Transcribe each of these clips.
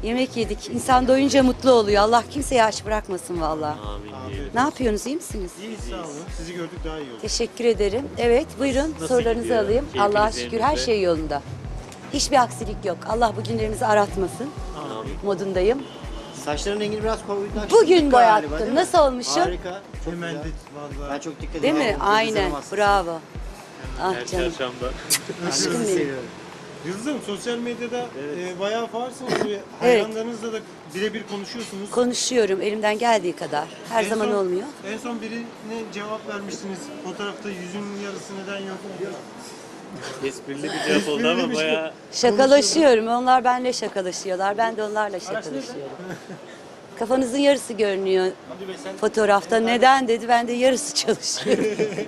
Yemek yedik. İnsan doyunca mutlu oluyor. Allah kimseyi aç bırakmasın vallahi. Amin diyelim. Ne yapıyorsunuz? İyi misiniz? İyi sağ olun. Sizi gördük daha iyi oldu. Teşekkür ederim. Evet, buyurun Nasıl sorularınızı gidiyor? alayım. Keyfiniz Allah'a şükür her yerinizde? şey yolunda. Hiçbir aksilik yok. Allah bu günlerimizi aratmasın Amin. modundayım. Saçların rengini biraz koyulaştırdık Bugün galiba, boyattım. değil mi? Nasıl olmuşum? Harika. Çok Hemen güzel. de vallahi. Ben çok dikkat Değil ediyorum. mi? Aynen. Bravo. Ah Her canım. çarşamba. Ben de sizi benim. seviyorum. Yıldız Hanım sosyal medyada bayağı faarsınız ve hayranlarınızla da birebir konuşuyorsunuz. Konuşuyorum elimden geldiği kadar. Her En zaman son- olmuyor. En son birine cevap vermiştiniz. Fotoğrafta yüzün yarısı neden yok? Esprili bir cevap oldu ama bayağı Şakalaşıyorum. Onlar benimle şakalaşıyorlar. Ben de onlarla şakalaşıyorum. Kafanızın yarısı görünüyor fotoğrafta. Neden dedi. Ben de yarısı çalışıyorum.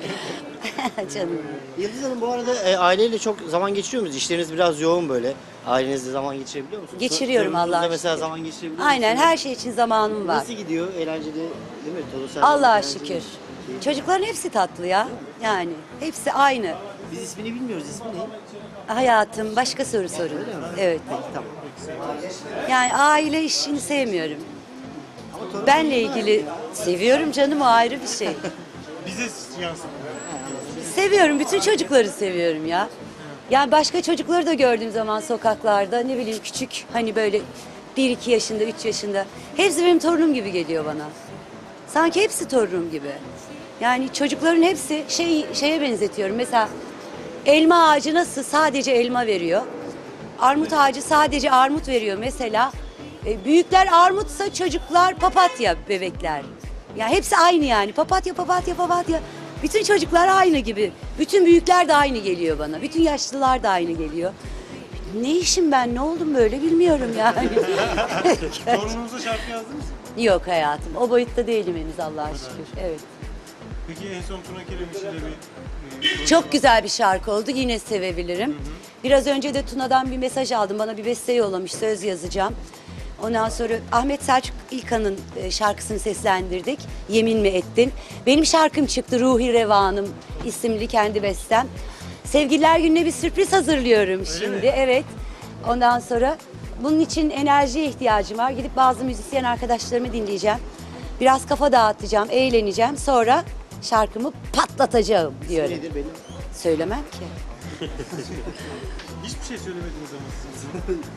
Canım. Yıldız Hanım bu arada aileyle çok zaman geçiriyor musunuz? İşleriniz biraz yoğun böyle. Ailenizle zaman geçirebiliyor musunuz? Geçiriyorum Torununuzla Allah'a mesela şükür. zaman geçirebiliyor Aynen musunuz? her şey için zamanım var. Nasıl gidiyor? Eğlenceli değil mi? Torun Allah'a eğlenceli. şükür. Çocukların hepsi tatlı ya. Yani hepsi aynı. Biz ismini bilmiyoruz. İsmi ne? Hayatım başka soru sorun. Evet. Peki tamam. Yani aile işini sevmiyorum. Ama torun Benle ilgili seviyorum canım, o ayrı bir şey. Bize yansıtıyor. Seviyorum, bütün çocukları seviyorum ya. Yani başka çocukları da gördüğüm zaman sokaklarda ne bileyim küçük hani böyle 1-2 yaşında, 3 yaşında. Hepsi benim torunum gibi geliyor bana. Sanki hepsi torunum gibi. Yani çocukların hepsi şeye benzetiyorum. Mesela elma ağacı nasıl sadece elma veriyor. Armut ağacı sadece armut veriyor mesela. Büyükler armutsa çocuklar papatya bebekler. Ya hepsi aynı yani. Papatya, papatya, papatya. Bütün çocuklar aynı gibi. Bütün büyükler de aynı geliyor bana. Bütün yaşlılar da aynı geliyor. Ne işim ben, ne oldum böyle bilmiyorum yani. Torununuza şarkı yazdınız mı? Yok hayatım. O boyutta değilim henüz Allah'a şükür. Evet. Peki en son Tuna Kiremiş ile bir Çok güzel bir şarkı oldu. Yine sevebilirim. Biraz önce de Tuna'dan bir mesaj aldım. Bana bir beste yollamış. Söz yazacağım. Ondan sonra Ahmet Selçuk İlkan'ın şarkısını seslendirdik. Yemin mi ettin? Benim şarkım çıktı. Ruhi Revanım isimli kendi bestem. Sevgililer Günü'ne bir sürpriz hazırlıyorum şimdi. mi? Evet. Ondan sonra bunun için enerjiye ihtiyacım var. Gidip bazı müzisyen arkadaşlarımı dinleyeceğim. Biraz kafa dağıtacağım, eğleneceğim. Sonra şarkımı patlatacağım diyorum. nedir benim? Söylemem ki. hiçbir şey söylemediniz ama siz.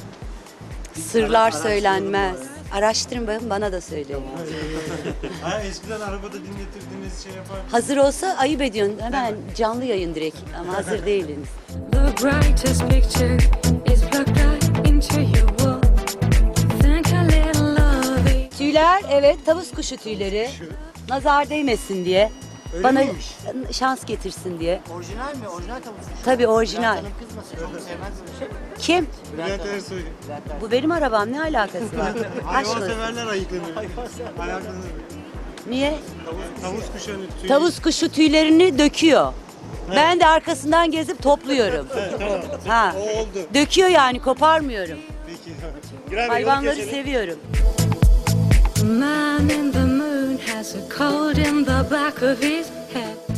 Sırlar söylenmez. Araştırın bakın, bana da söyleyin. Ha, eskiden arabada dinletirdiniz şey yapar. Hazır olsa ayıp ediyorsun. Hemen canlı yayın direkt ama hazır değiliniz. The brightest picture is plugged right into your wall. Think a little love it. Tüyler, evet, tavus kuşu tüyleri. Nazar değmesin diye. Öyle Bana miymiş? şans getirsin diye. Orijinal mi? Orijinal tavuk suyu. Tabii orijinal. Bülent Hanım kızmasın. Çok sevmez böyle şey. Kim? Bülent Ersoy. Bu benim arabam, ne alakası var? Aşk Hayvan olsun. severler ayıklanıyor. Ayaklanıyor. Niye? Tavus kuşu hani tüy. Tavus kuşu tüylerini döküyor. Ben de arkasından gezip topluyorum. Ha. O oldu. Döküyor yani, koparmıyorum. Peki. Hayvanları seviyorum. Man in the moon has a cold in the back of his head.